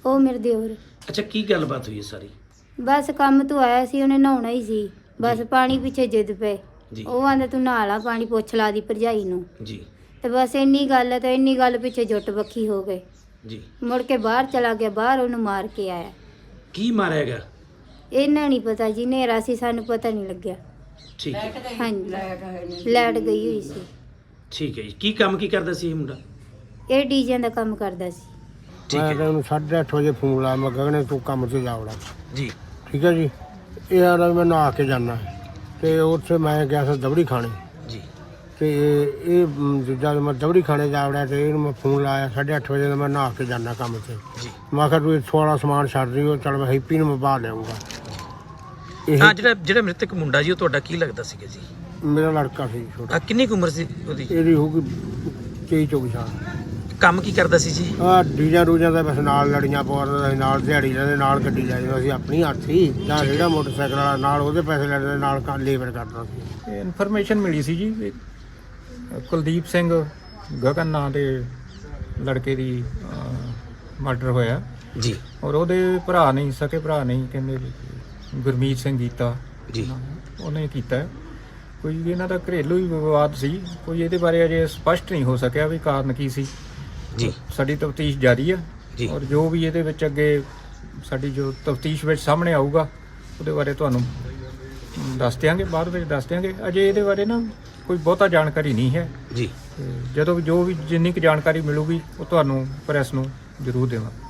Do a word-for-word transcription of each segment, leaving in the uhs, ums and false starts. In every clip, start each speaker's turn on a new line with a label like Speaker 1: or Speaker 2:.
Speaker 1: ਉਹ ਮੇਰੇ ਦਿਓਰ।
Speaker 2: ਅੱਛਾ, ਕੀ ਗੱਲਬਾਤ ਹੋਈ ਹੈ ਸਾਰੀ?
Speaker 1: ਬਸ ਕੰਮ ਤੋਂ ਆਇਆ ਸੀ, ਉਹਨੇ ਨਹਾਉਣਾ ਹੀ ਸੀ, ਬਸ
Speaker 2: ਜੀ।
Speaker 1: ਪਾਣੀ ਪਿੱਛੇ ਜਿੱਦ ਪਏ।
Speaker 2: ਜੀ
Speaker 1: ਉਹ ਆਂਦਾ ਤੂੰ ਨਹਾ ਲਾ, ਪਾਣੀ ਪੁੱਛ ਲਾ ਦੀ ਭਰਜਾਈ ਨੂੰ।
Speaker 2: ਜੀ
Speaker 1: ਤੇ ਬਸ ਇੰਨੀ ਗੱਲ ਤੇ ਇੰਨੀ ਗੱਲ ਪਿੱਛੇ ਜੁੱਟ ਬੱਖੀ ਹੋ ਗਏ।
Speaker 2: ਜੀ।
Speaker 1: ਮੁੜ ਕੇ ਬਾਹਰ ਚਲਾ ਗਿਆ, ਬਾਹਰ ਉਹਨੂੰ ਮਾਰ ਕੇ ਆਇਆ।
Speaker 2: ਕੀ ਮਾਰਿਆ ਗਿਆ?
Speaker 1: ਇਹਨਾਂ ਨਹੀਂ ਪਤਾ ਜੀ, ਹਨੇਰਾ ਸੀ, ਸਾਨੂੰ ਪਤਾ ਨਹੀਂ ਲੱਗਿਆ।
Speaker 2: ਠੀਕ ਹੈ,
Speaker 1: ਹਾਂਜੀ, ਲਾਈਟ ਗਈ ਹੋਈ ਸੀ।
Speaker 2: ਠੀਕ ਹੈ ਜੀ। ਕੀ ਕੰਮ ਕੀ ਕਰਦਾ ਸੀ ਇਹ ਮੁੰਡਾ?
Speaker 1: ਇਹ ਡੀਜਿਆਂ ਦਾ ਕੰਮ ਕਰਦਾ ਸੀ।
Speaker 2: ਠੀਕ
Speaker 3: ਮੈਂ
Speaker 2: ਹੈ
Speaker 3: ਤਾਂ ਉਹਨੂੰ ਸਾਢੇ ਅੱਠ ਵਜੇ ਫੋਨ ਲਾਇਆ, ਮੈਂ ਗਗਨੇ ਤੂੰ ਕੰਮ ਤੇ ਜਾਵੜਾ।
Speaker 2: ਜੀ।
Speaker 3: ਠੀਕ ਹੈ ਜੀ। ਇਹ ਆਦਾ ਮੈਂ ਨਹਾ ਕੇ ਜਾਣਾ ਤੇ ਉੱਥੇ ਮੈਂ ਗਿਆ ਸੀ ਦਬੜੀ ਖਾਣੇ
Speaker 2: ਜੀ
Speaker 3: ਤੇ ਇਹ ਜਦ ਮੈਂ ਦਬੜੀ ਖਾਣੇ ਜਾਵੜਾ ਤੇ ਇਹਨੂੰ ਮੈਂ ਫੋਨ ਲਾਇਆ ਸਾਢੇ ਅੱਠ ਵਜੇ ਦਾ, ਮੈਂ ਨਹਾ ਕੇ ਜਾਣਾ ਕੰਮ ਤੇ।
Speaker 2: ਜੀ।
Speaker 3: ਮੈਂ ਕਿਹਾ ਤੂੰ ਇੱਥੋਂ ਵਾਲਾ ਸਮਾਨ ਛੱਡ ਰਹੀ ਹੋ, ਚੱਲ ਮੈਂ ਹੈਪੀ ਨੂੰ ਮੈਂ ਬਾਹਰ ਲਿਆਉਂਗਾ। ਇਹ
Speaker 2: ਹਾਂ, ਜਿਹੜਾ ਜਿਹੜਾ ਮ੍ਰਿਤਕ ਮੁੰਡਾ ਜੀ, ਉਹ ਤੁਹਾਡਾ ਕੀ ਲੱਗਦਾ ਸੀਗਾ ਜੀ?
Speaker 3: ਮੇਰਾ ਲੜਕਾ ਸੀ ਛੋਟਾ,
Speaker 2: ਆ ਕਿੰਨੀ ਕੁ ਉਮਰ ਸੀ ਉਹਦੀ?
Speaker 3: ਇਹਦੀ ਹੋਊਗੀ ਤੇਈ ਚੌਵੀ ਸਾਲ।
Speaker 2: ਕੰਮ ਕੀ ਕਰਦਾ ਸੀ ਜੀ?
Speaker 3: ਆ ਡੀਜਾਂ ਰੂਜਾਂ ਦਾ ਬਸ ਨਾਲ ਲੜੀਆਂ ਪਾਉਂਦਾ ਸੀ, ਨਾਲ ਦਿਹਾੜੀ ਲੈਂਦੇ, ਨਾਲ ਗੱਡੀ ਲੈ ਜਾਂਦਾ ਸੀ ਆਪਣੀ ਹੱਥ ਹੀ, ਜਾਂ ਜਿਹੜਾ ਮੋਟਰਸਾਈਕਲ ਵਾਲਾ ਨਾਲ ਉਹਦੇ ਪੈਸੇ ਲੈਂਦੇ, ਨਾਲ ਲੇਬਰ ਕਰਦਾ ਸੀ।
Speaker 4: ਇਨਫੋਰਮੇਸ਼ਨ ਮਿਲੀ ਸੀ ਜੀ ਵੀ ਕੁਲਦੀਪ ਸਿੰਘ ਗਗਨ ਨਾਂ ਦੇ ਲੜਕੇ ਦੀ ਮਰਡਰ ਹੋਇਆ
Speaker 2: ਜੀ।
Speaker 4: ਔਰ ਉਹਦੇ ਭਰਾ ਨਹੀਂ, ਸਕੇ ਭਰਾ ਨਹੀਂ, ਕਹਿੰਦੇ ਵੀ ਗੁਰਮੀਤ ਸਿੰਘ ਗੀਤਾ
Speaker 2: ਜੀ।
Speaker 4: ਉਹਨੇ ਕੀਤਾ ਹੈ। ਕੋਈ ਇਹਨਾਂ ਦਾ ਘਰੇਲੂ ਹੀ ਵਿਵਾਦ ਸੀ, ਕੋਈ ਇਹਦੇ ਬਾਰੇ ਅਜੇ ਸਪਸ਼ਟ ਨਹੀਂ ਹੋ ਸਕਿਆ ਵੀ ਕਾਰਨ ਕੀ ਸੀ।
Speaker 2: ਜੀ।
Speaker 4: ਸਾਡੀ ਤਫਤੀਸ਼ ਜਾਰੀ ਆ
Speaker 2: ਜੀ।
Speaker 4: ਔਰ ਜੋ ਵੀ ਇਹਦੇ ਵਿੱਚ ਅੱਗੇ ਸਾਡੀ ਜੋ ਤਫਤੀਸ਼ ਵਿੱਚ ਸਾਹਮਣੇ ਆਊਗਾ ਉਹਦੇ ਬਾਰੇ ਤੁਹਾਨੂੰ ਦੱਸ ਦਿਆਂਗੇ, ਬਾਅਦ ਵਿੱਚ ਦੱਸ ਦਿਆਂਗੇ। ਅਜੇ ਇਹਦੇ ਬਾਰੇ ਨਾ ਕੋਈ ਬਹੁਤਾ ਜਾਣਕਾਰੀ ਨਹੀਂ ਹੈ
Speaker 2: ਜੀ।
Speaker 4: ਤੇ ਜਦੋਂ ਵੀ ਜੋ ਵੀ ਜਿੰਨੀ ਕੁ ਜਾਣਕਾਰੀ ਮਿਲੂਗੀ ਉਹ ਤੁਹਾਨੂੰ ਪ੍ਰੈਸ ਨੂੰ ਜ਼ਰੂਰ ਦੇਵਾਂਗੇ।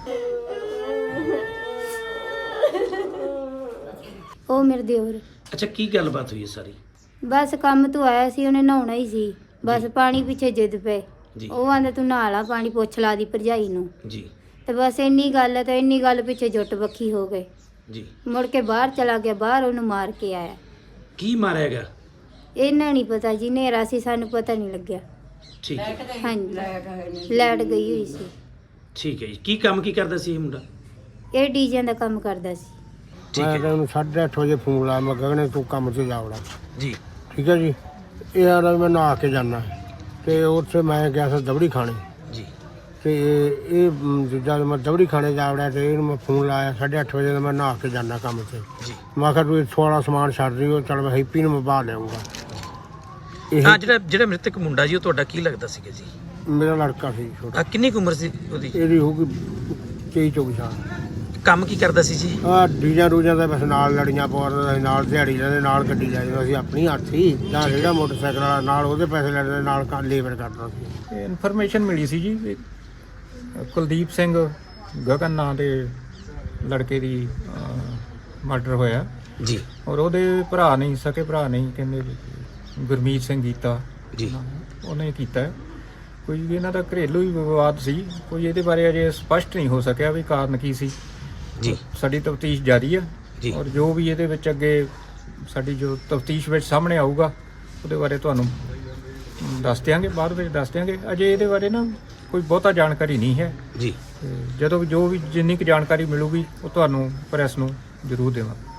Speaker 1: ਉਹ ਮੇਰੇ ਦਿਓਰ।
Speaker 2: ਅੱਛਾ, ਕੀ ਗੱਲਬਾਤ ਹੋਈ ਹੈ ਸਾਰੀ?
Speaker 1: ਬਸ ਕੰਮ ਤੋਂ ਆਇਆ ਸੀ, ਉਹਨੇ ਨਹਾਉਣਾ ਹੀ ਸੀ, ਬਸ ਪਾਣੀ ਪਿੱਛੇ ਜਿੱਦ ਪਏ।
Speaker 2: ਜੀ
Speaker 1: ਉਹ ਆਂਦਾ ਤੂੰ ਨਹਾ ਲਾ, ਪਾਣੀ ਪੁੱਛ ਲਾ ਦੀ ਭਰਜਾਈ ਨੂੰ।
Speaker 2: ਜੀ
Speaker 1: ਤੇ ਬਸ ਇੰਨੀ ਗੱਲ ਤੇ ਇੰਨੀ ਗੱਲ ਪਿੱਛੇ ਜੁੱਟ ਬੱਖੀ ਹੋ ਗਏ।
Speaker 2: ਜੀ।
Speaker 1: ਮੁੜ ਕੇ ਬਾਹਰ ਚਲਾ ਗਿਆ, ਬਾਹਰ ਉਹਨੂੰ ਮਾਰ ਕੇ ਆਇਆ।
Speaker 2: ਕੀ ਮਾਰਿਆ ਗਿਆ?
Speaker 1: ਇਹਨਾਂ ਨਹੀਂ ਪਤਾ ਜੀ, ਹਨੇਰਾ ਸੀ, ਸਾਨੂੰ ਪਤਾ ਨਹੀਂ ਲੱਗਿਆ।
Speaker 2: ਠੀਕ ਹੈ,
Speaker 1: ਹਾਂਜੀ, ਲਾਈਟ ਗਈ ਹੋਈ ਸੀ।
Speaker 2: ਠੀਕ ਹੈ ਜੀ। ਕੀ ਕੰਮ ਕੀ ਕਰਦਾ ਸੀ ਇਹ ਮੁੰਡਾ?
Speaker 1: ਇਹ ਡੀਜਿਆਂ ਦਾ ਕੰਮ ਕਰਦਾ ਸੀ।
Speaker 2: ਠੀਕ
Speaker 3: ਮੈਂ
Speaker 2: ਹੈ
Speaker 3: ਤਾਂ ਉਹਨੂੰ ਸਾਢੇ ਅੱਠ ਵਜੇ ਫੋਨ ਲਾਇਆ, ਮੈਂ ਗਗਨੇ ਤੂੰ ਕੰਮ ਤੇ ਜਾਵੜਾ।
Speaker 2: ਜੀ।
Speaker 3: ਠੀਕ ਹੈ ਜੀ। ਇਹ ਆਦਾ ਮੈਂ ਨਹਾ ਕੇ ਜਾਣਾ ਤੇ ਉੱਥੇ ਮੈਂ ਗਿਆ ਸੀ ਦਬੜੀ ਖਾਣੇ
Speaker 2: ਜੀ।
Speaker 3: ਤੇ ਇਹ ਜਦ ਮੈਂ ਦਬੜੀ ਖਾਣੇ ਜਾਵੜਾ ਤੇ ਇਹਨੂੰ ਮੈਂ ਫੋਨ ਲਾਇਆ ਸਾਢੇ ਅੱਠ ਵਜੇ ਦਾ, ਮੈਂ ਨਹਾ ਕੇ ਜਾਣਾ ਕੰਮ ਤੇ।
Speaker 2: ਜੀ।
Speaker 3: ਮੈਂ ਕਿਹਾ ਤੂੰ ਇੱਥੋਂ ਵਾਲਾ ਸਮਾਨ ਛੱਡ ਰਹੀ ਹੋ, ਚੱਲ ਮੈਂ ਹੈਪੀ ਨੂੰ ਮੈਂ ਬਾਹਰ ਲਿਆਉਂਗਾ। ਇਹ
Speaker 2: ਹਾਂ, ਜਿਹੜਾ ਜਿਹੜਾ ਮ੍ਰਿਤਕ ਮੁੰਡਾ ਜੀ, ਉਹ ਤੁਹਾਡਾ ਕੀ ਲੱਗਦਾ ਸੀਗਾ ਜੀ?
Speaker 3: ਮੇਰਾ ਲੜਕਾ ਸੀ ਛੋਟਾ,
Speaker 2: ਆ ਕਿੰਨੀ ਕੁ ਉਮਰ ਸੀ ਉਹਦੀ?
Speaker 3: ਇਹਦੀ ਹੋਊਗੀ ਤੇਈ ਚੌਵੀ ਸਾਲ।
Speaker 2: ਕੰਮ ਕੀ ਕਰਦਾ ਸੀ ਜੀ?
Speaker 3: ਆ ਡੀਜਾਂ ਰੂਜਾਂ ਦਾ ਬਸ ਨਾਲ ਲੜੀਆਂ ਪਾਉਂਦਾ ਸੀ, ਨਾਲ ਦਿਹਾੜੀ ਲੈਂਦੇ, ਨਾਲ ਗੱਡੀ ਲੈ ਜਾਂਦਾ ਸੀ ਆਪਣੀ ਹੱਥ ਹੀ, ਜਾਂ ਜਿਹੜਾ ਮੋਟਰਸਾਈਕਲ ਵਾਲਾ ਨਾਲ ਉਹਦੇ ਪੈਸੇ ਲੈਂਦੇ, ਨਾਲ ਲੇਬਰ ਕਰਦਾ ਸੀ।
Speaker 4: ਇਨਫੋਰਮੇਸ਼ਨ ਮਿਲੀ ਸੀ ਜੀ ਵੀ ਕੁਲਦੀਪ ਸਿੰਘ ਗਗਨ ਨਾਂ ਦੇ ਲੜਕੇ ਦੀ ਮਰਡਰ ਹੋਇਆ
Speaker 2: ਜੀ।
Speaker 4: ਔਰ ਉਹਦੇ ਭਰਾ ਨਹੀਂ, ਸਕੇ ਭਰਾ ਨਹੀਂ, ਕਹਿੰਦੇ ਵੀ ਗੁਰਮੀਤ ਸਿੰਘ ਗੀਤਾ
Speaker 2: ਜੀ।
Speaker 4: ਉਹਨੇ ਕੀਤਾ ਹੈ। ਕੋਈ ਇਹਨਾਂ ਦਾ ਘਰੇਲੂ ਹੀ ਵਿਵਾਦ ਸੀ, ਕੋਈ ਇਹਦੇ ਬਾਰੇ ਅਜੇ ਸਪਸ਼ਟ ਨਹੀਂ ਹੋ ਸਕਿਆ ਵੀ ਕਾਰਨ ਕੀ ਸੀ।
Speaker 2: ਜੀ।
Speaker 4: ਸਾਡੀ ਤਫਤੀਸ਼ ਜਾਰੀ ਆ
Speaker 2: ਜੀ।
Speaker 4: ਔਰ ਜੋ ਵੀ ਇਹਦੇ ਵਿੱਚ ਅੱਗੇ ਸਾਡੀ ਜੋ ਤਫਤੀਸ਼ ਵਿੱਚ ਸਾਹਮਣੇ ਆਊਗਾ ਉਹਦੇ ਬਾਰੇ ਤੁਹਾਨੂੰ ਦੱਸ ਦਿਆਂਗੇ, ਬਾਅਦ ਵਿੱਚ ਦੱਸ ਦਿਆਂਗੇ। ਅਜੇ ਇਹਦੇ ਬਾਰੇ ਨਾ ਕੋਈ ਬਹੁਤਾ ਜਾਣਕਾਰੀ ਨਹੀਂ ਹੈ
Speaker 2: ਜੀ।
Speaker 4: ਤੇ ਜਦੋਂ ਵੀ ਜੋ ਵੀ ਜਿੰਨੀ ਕੁ ਜਾਣਕਾਰੀ ਮਿਲੂਗੀ ਉਹ ਤੁਹਾਨੂੰ ਪ੍ਰੈਸ ਨੂੰ ਜ਼ਰੂਰ ਦੇਵਾਂਗੇ।